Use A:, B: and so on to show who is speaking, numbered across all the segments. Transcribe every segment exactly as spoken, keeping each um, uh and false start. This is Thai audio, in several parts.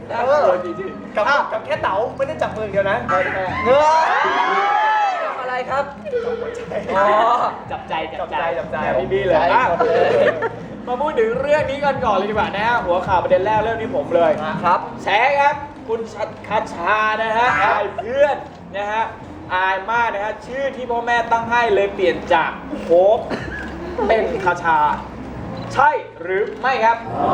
A: น่ากลัวจริงๆกับกับแค่เต๋าไม่ได้จับมืออย่างเดียวนะเงื้อ
B: อะไรครับ
A: อ๋อ
B: จับใจ
A: จับใจจับใจ
B: พี่บี้เลย
C: มาพูดถึงเรื่องนี้กันก่อนเลยดีกว่านะฮะหัวข่าวประเด็นแรกเรื่องนี้ผมเลย
B: ครับ
C: แชร์ครับคุณคาชานะฮะอายเพื่อนนะฮะอายมากนะฮะชื่อที่พ่อแม่ตั้งให้เลยเปลี่ยนจากโค้กเป็นคาชา ใช่หรือไม่ครับ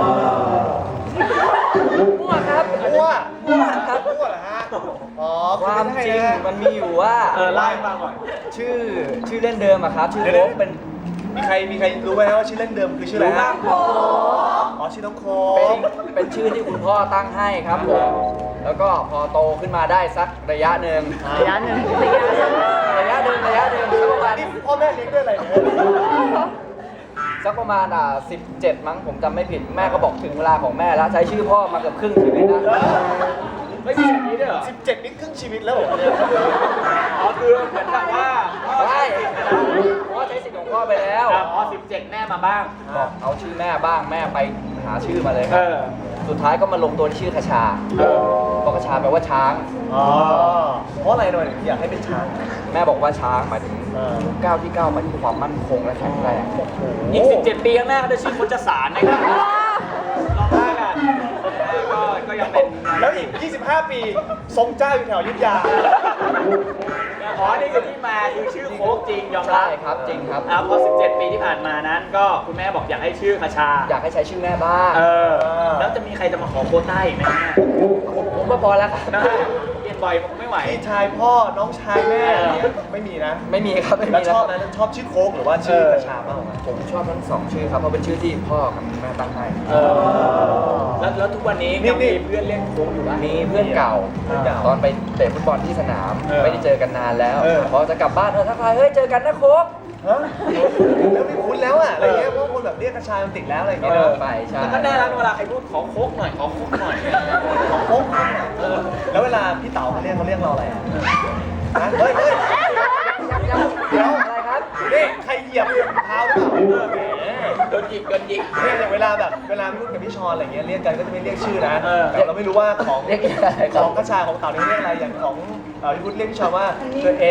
B: มั่วครับ
A: มั่ว
B: มั่วครับ
A: มั่วเหรอฮะอ๋อ
B: ความจริงมันมีอยู่ว่า
C: เออไล่ฟังก่อน
B: ชื่อชื่อเล่นเดิมอะครับชื่อโค้กเป็น
A: มีใครมีใครรู้ไหมว่าชื่อเล่นเดิมคือชื่ออะไรฮะอ๋อชื่อน้องโค
B: เป็นเป็นชื่อที่คุณพ่อตั้งให้ครับผมแล้วก็พอโตขึ้นมาได้สักระยะหนึ่ง
D: ระยะหนึ่งระยะหนึ่ง
B: ระยะหนึ่งระยะหนึ่งสักประมาณ
A: นี่พ่อแม่เลี้ยงด้วยอะไรเนี่ย
B: สักประมาณอ่าสิบเจ็ดมั้งผมจำไม่ผิดแม่ก็บอกถึงเวลาของแม่แล้วใช้ชื่อพ่อมาเกือบครึ่งชีวิตนะ
C: ไม่มีแบบนี้ด้วยเหรอ
A: สิบเจ็ดนี่ครึ่งชีวิตแล้วเหรอเนี่ย
C: อ๋อคือเหมือนกับว่าพ่อ
B: ใช่
C: ใช้สิทธิ์ไปแล้ว
B: เพราะว่าใช้สิทธิ์ของพ่อไปแล้ว
C: อ๋อสิบเจ็ดแม่มาบ้าง
B: บอกเอาชื่อแม่บ้างแม่ไปหาชื่อมาเลยค
C: เอ
B: รับ
C: อ
B: สุดท้ายก็มาลงตัวที่ชื่อคชา
C: เออ
B: เพราะคชาแปลว่าช้าง
A: อ๋อเพราะอะไรหน่อยอยากให้เป็นช้าง
B: แม่บอกว่าช้างหมายถึง
A: เออ
B: ทุกก้าวที่ก้าวไปที่ความมั่นคงและแข็งแรง
C: อีกสิบเจ็ดปีข้างหน้าก็จะชื่อคนจะสารนะครับลองได้กันก็ก็ยังเป็น
A: แล้วอีกยี่สิบห้าปีทรงเจ้าอยู่แถวอยุทธยา
C: อ๋อนี่คือที่มาคือชื่อโค้กจริงยอมรั
B: ใช่
C: บ
B: ครับจริงครับ
C: อ่าพอสิบเจ็ดปีที่ผ่านมานั้น ก็คุณแม่บอกอยากให้ชื่อคชา
B: อยากให้ใช้ชื่อแม่บ้าง
C: เออ แล้วจะมีใครจะมาขอโควต้าอีกไหมเนี่ย
B: ผมก็พอแล้วครับ
C: นะเปลี่ยนบ่อยผมไม่ไหว
A: พี่ชายพ่อน้องชายแม่เนี่ยไม่มีนะ
B: ไม่มีครับไม่
A: แล้ว
B: มี
A: ช
B: นะ
A: อบนะชอบชื่อโค้กหรือว่าชื่อกระชามากกว่ากัน
B: ผมชอบทั้งสองชื่อครับเพราะเป็นชื่อที่พ่อกับแม่ตั้งให้
C: เออ แล้วแล้วทุกวันนี้ยังมีเพื่อนเล่นโค้กอยู่ไหม
B: มีเพื่อนเก่า
A: เพื่อนเก่า
B: ตอนไปเตะฟุตบอลที่สนาม
C: เออ
B: ไม่ได้เจอกันนานแล้ว
A: เออ
B: พอจะกลับบ้านเออทักทายเฮ้ยเจอกันนะโค้ก
A: ฮะแล้วไม่คุ้นแล้วอ่ะอะไรเงี้ยเพราะว่าคนแบบเรียกกระชายมันติดแล้วอะไร
B: ก็
A: เงี้ย
B: เลิ
A: เน
B: ก
A: อะ
B: ไปใช่
C: แล้วก็น่ารักเวลาใครพูดขอโค้กหน่อยขอโค้กหน่อย
A: ของโค้กเออแล้วเวลาพี่เต๋าเขาเรียกเขาเรียกเราอะไรอ่ะฮะเฮ้ยเฮ้ยเดี๋ยว
B: อะไรครับ
A: นี่ใครเหยียบเท้าหรือเปล่า
C: เออแหมโดนยิงโดนยิง
A: เนี่ยอย่างเวลาแบบเวลาพูดกับพี่ชอนอะไรเงี้ยเรียกกันก็จะไม่เรียกชื่อนะ
C: เออ
A: แต่เราไม่รู้ว่าของ
B: เรียกอะไรค
A: ข
B: รับ
A: องกระชายของเต่าเนี่ยเรียกอะไรอย่างของเต่าที่พูดเรียกพี่ชอนว่าตัวเอง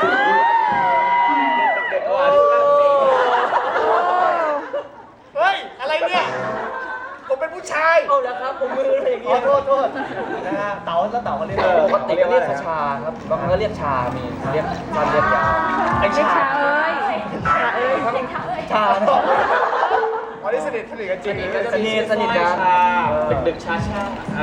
C: เด็กๆว่าที่นั่งเด็ก
A: เฮ้ยอะไรเนี่ยผมเป็นผู้ชาย
B: เอาแล้วครับผมมืออะไรอย่าง
A: ข
B: เงี้
A: อย โทษโทษนะฮะเต่าแล้วเต่าเขาเรียก
B: ปกติก็เรียกคชาครับบางครั้งก็เรียกชา มีเรียกสั้นเรียกยาว
A: ไอ้
D: เด็ก
A: ชา
D: ชาเอ้ยชาเอ้ยเด็กชาเอ้ย
B: ชานะ
A: วันนี้สนิทสนิทกันจริง
C: ก็จะมีสนิทกันดึกๆช้าๆ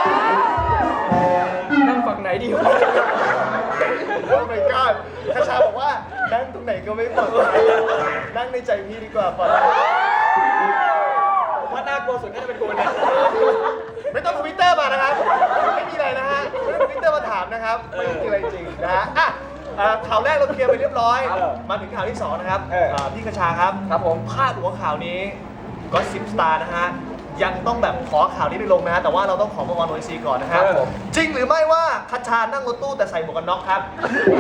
B: นั่งฝั่งไหนดีวะ
A: โอ้ my god คาชาบอกว่านั่งตรงไหนก็ไม่ปลอดภัยนั่งในใจพี่ดีกว่าปลอดภัย
C: ผมว่าน่ากลัวสุดน่าจะเป็นคุณเนี่ย
A: ไม่ต้องทวิตเตอร์มานะครับไม่มีอะไรนะฮะไม่ต้องทวิตเตอร์มาถามนะครับไม่มีอะไรจริงนะฮะอ่ะอ่าข่าวแรกเราเคลียร์ไปเรียบร้อย มาถึงข่าวที่สองนะครับอ่าพี่คชาครับ
B: ครับผม
A: พาดหัวข่าวนี้ก็สิบสตาร์นะฮะยังต้องแบบขอข่าวนี้ไปลงนะฮะแต่ว่าเราต้องขอมาวอนโอซีก่อนนะครับ
B: ครับผม
A: จริงหรือไม่ว่าคชานั่งรถตู้แต่ใส่หมวกกันน็อกครับ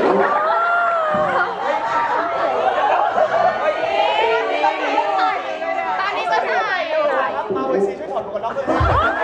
D: ตอนนี้ก็ถ่ายอยู่
A: ครับมาโอซีช่วยถอดหมวกกันน็อกด้วยนะ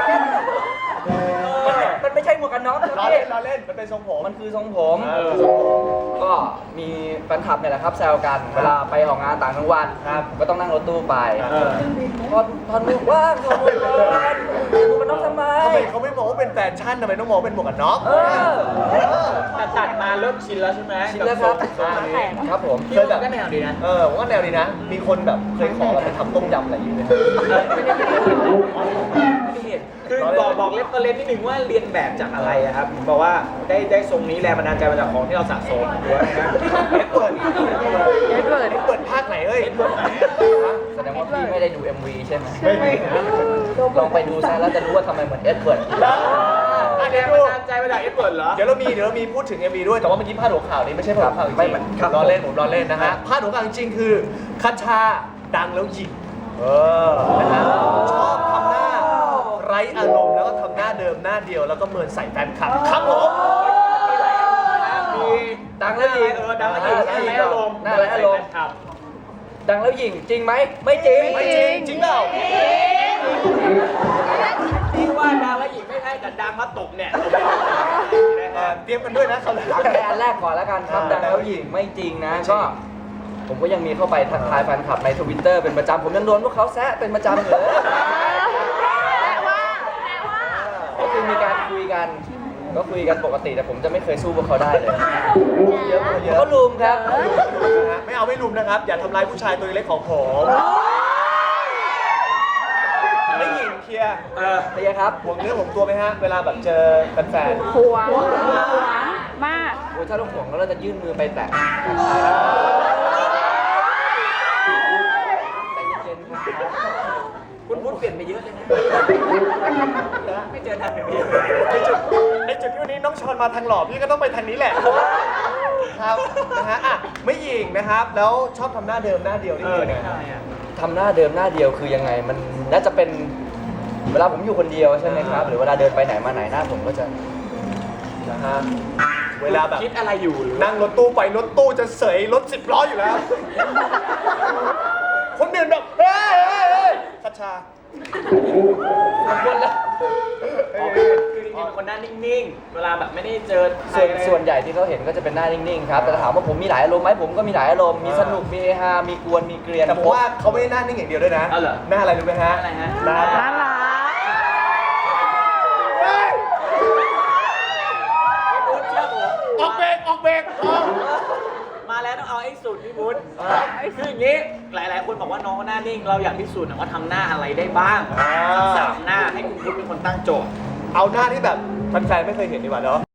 B: มันไม่ใช่หมวกกันน็อก
A: ล้อเล่นล้อเล่นมันเป็นทรงผม
B: มันคือทรงผม
A: เออ
B: ก็มีแฟนคลับเนี่ยแหละครับแซวกัน เวลาไปออกงานต่างจังหวัด
A: ครับ
B: ก็ต้องนั่งรถตู้ไป
A: เออ
B: ถอดถอดหมวกว่างถอดหมวกก่อนหมวกกันน็อกทำไม
A: ทำไมเขาไม่มองว่าเป็นแฟชั่นทำไมต้องมองว่าเป็นหมวกกันน็อก
B: เออ
A: เออ
C: แต่ตัดมาเริ่มชินแล้วใช่ไหม
B: ชินแล้วครับ
C: ทรงนี้
B: ครับผม
C: พี่ว่าก็แนวดีนะ
A: เออผมว่าแนวดีนะ มีคนแบบเคยขอแบบไปทำต้มยำอะไรอย่างเงี้ย
C: ไม่ได้ไม่ได้ไม่ได้เห็นคือบอกบอกเล็บเล็บนิดนึงว่าเรียนแบบจากอะไรอะครับบอกว่าได้ได้ทรงนี้แรงบันดาลใจมาจากของที่เราสะสมหรือว่าไงครับ
A: เอ็ดเวิร์ด
D: เอ็ดเวิร์ด
A: เอ็ดเวิร์ดภาคไหนเอ้ย
C: เอ็ดเวิร์ดไหน
B: แสดงว่าพี่ไม่ได้ดู เอ็ม วี ใช่ไหม
A: ไม่ไม่
B: ลองไปดูซะแล้วจะรู้ว่าทำไมเหมือนเอ็ดเวิร์ด
A: อ่ะ
C: แร
A: เดี๋ยว
C: ง
A: ดู
C: บันดาลใจมาจากเอ็ดเวิร์ดเหรอ
A: เดี๋ยวเรามีเดี๋ยวเรามีพูดถึง เอ็ม วี ด้วยแต่ว่าเมื่อกี้พาดหัวข่าวนี้ไม่ใช่พาดหัวข่าวจริง
B: ไม่ไม่ครับ
A: ๆล้อเล่นผมล้อเล่นนะฮะพาดหัวข่าวจริงๆคือคัชชาดังแล้วหยิกเออนะฮะชอบทำหน้าไร้อารมณ์แล้วก็ทำหน้าเดิมหน้าเดียวแล้วก็เมินใส่แฟนคลับครับผม
C: มี
B: ดังแล้วหยิง
C: เออดังแล้วหยิง
B: อ่า
C: ดังแล้วอารมณ์
B: น่าไร้อารมณ์
C: ครับ
B: ดังแล้วหยิงจริงไหมไม่จริง
A: ไม่จริงจริงเปล่า
C: พี่ว่าดังแล้วหยิงไม่ใช่กับดังมาตกเนี่ย
A: เอ่อเตรียมกันด้วยนะเขาวห
B: เอา
A: น้า
B: แค่อันแรกก่อนแล้วกันครับ
A: อ่า
B: ดังแล้วหญิงไม่จริงนะ
A: ไม่จริง
B: ก็ ผมก็ยังมีเข้าไปทักทายแฟนคลับในทวิตเตอร์เป็นประจำผมยังโดนพวกเขาแซะเป็นประจำเลย
D: แต่ว่าแต่ว่า
B: ก็คือมีการคุยกัน ก็คุยกันปกติแต่ผมจะไม่เคยสู้พวกเขาได้เลย
A: เยอะเยอะ
B: เขาลุมครับ
A: นะฮะไม่เอาไม่ลุมนะครับ อย่าทำร้ายผู้ชายตัวเล็กของผมไม่หญิงเคลียร์
C: เออ
B: เตียครับ
A: ห่วงเนื้อห่วงตัวไหมฮะ เวลาแบบเจอแฟน
D: ห่วงมาก
B: โอ้ยถ้าเราห่วงแล้วเราจะยื่นมือไปแตะใจเย็นๆครับคุณพุทธเปลี่ยนไปเยอะเลยนะ ไม่เจอทางแบบนี้
A: ๆในจุดในจุดที่วันนี้น้องชอนมาทางหล่อพี่ก็ต้องไปทางนี้แหละ ครับนะฮะอ่ะไม่หญิงนะครับ แล้วชอบทำหน้าเดิมหน้าเดียวนี่
C: เออ
A: คือ
C: นี่
A: ยังไง
C: อะไรอ่ะ
B: ทำหน้าเดิมหน้าเดียวคือยังไง มันน่าจะเป็นเวลาผมอยู่คนเดียวใช่ไหมครับ หรือเวลาเดินไปไหนมาไหนหน้าผมก็จะ
A: นะฮะเวลาแบบ
C: คิดอะไรอยู่หรือ
A: นั่งรถตู้ไปรถตู้จะเสยรถสิบล้ออยู่แล้ว คนอื่นแบบเฮ้ยเฮ้ยเฮ้ยชัชชา
B: ขอบคุณแล้ว
C: อ๋อคือจริงๆเป็นคนหน้านิ่งๆ เวลาแบบไม่ได้เจอใคร
B: ส่วน
C: อะไร
B: ส่วนใหญ่ที่เขาเห็นก็จะเป็นหน้านิ่งๆครับ แต่ถามว่าผมมีหลายอารมณ์ไหมผมก็มีหลายอารมณ์ มีสนุก มีเฮฮา มีกวน มีเกรียน
A: แต่ผมว่าเขาไม่ได้หน้านิ่งอย่างเดียวด้วยนะ
C: เอาเหรอ
A: หน้าอะไรรู้ไหมฮะ
C: อะไรฮะ
A: หน้า
D: น่ารัก
A: เฮ้ย
C: พี่พุทธเชื่อผม
A: ออกเบรกออกเบรกออก
C: มาแล้วต้องเอาให้สุดพี่พุทธคืออย่างนี้ หลายๆ คนบอกว่าน้องเขาหน้านิ่ง เราอยากพิสูจน์หน่อยว่าทำหน้าอะไรได้บ้างสักสามหน้าให้คุณพุทธเป็นคนตั้งโจทย์
A: เอาหน้าที่แบบแฟนๆไม่เคยเห็นดีกว่าเนาะ